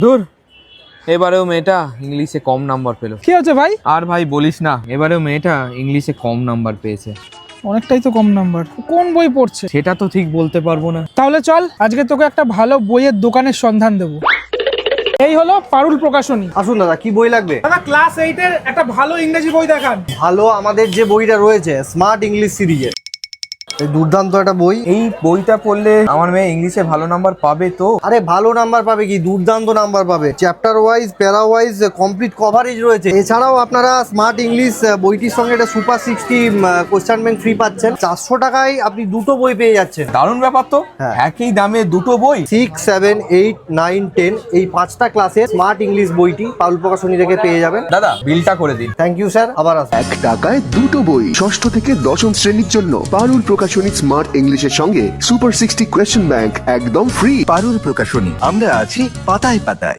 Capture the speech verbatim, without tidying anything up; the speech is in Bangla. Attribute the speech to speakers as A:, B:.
A: ধুর, এবারেও মেয়েটা ইংলিশে কম নাম্বার পেলো।
B: কি হচ্ছে ভাই?
A: আর ভাই বলিস না, এবারেও মেয়েটা ইংলিশে কম নাম্বার পেয়েছে।
B: অনেকটাই তো কম নাম্বার। কোন বই পড়ছে?
A: সেটা তো ঠিক বলতে পারবো না।
B: তাহলে চল আজকে তোকে একটা ভালো বইয়ের দোকানের সন্ধান দেবো। এই হলো পারুল প্রকাশনী।
C: আসুন দাদা, কি বই লাগবে?
B: দাদা ক্লাস এইট এর একটা ভালো ইংরেজি বই দেখান।
C: ভালো, আমাদের যে বইটা রয়েছে স্মার্ট ইংলিশ সিরিজের, এই দুর্দান্ত একটা বই।
A: এই বইটা পড়লে আমার মেয়ে ইংলিশে ভালো নাম্বার পাবে তো?
C: আরে ভালো নাম্বার পাবে কি, দুর্দান্ত নাম্বার পাবে। Chapter wise, para wise complete coverage রয়েছে। এছাড়াও আপনারা স্মার্ট ইংলিশ বইটির সঙ্গে একটা super sixty question bank free পাচ্ছেন। চারশো টাকায় আপনি দুটো বই পেয়ে যাচ্ছেন।
A: দারুণ ব্যাপার তো।
C: হ্যাঁ।
A: একই দামে দুটো বই।
C: Six seven eight nine ten এই পাঁচটা ক্লাসে স্মার্ট ইংলিশ বইটি পারুল প্রকাশনী থেকে পেয়ে যাবেন।
A: দাদা বিলটা করে দিন।
C: থ্যাংক ইউ স্যার, আবার আসুন।
D: এক টাকায় দুটো বই, ষষ্ঠ থেকে দশম শ্রেণীর জন্য পারুল প্রকাশনী স্মার্ট ইংলিশের সঙ্গে সুপার সিক্সটি কোয়েশ্চেন ব্যাংক একদম ফ্রি।
E: পারুল প্রকাশনী, আমরা আছি পাতায় পাতায়।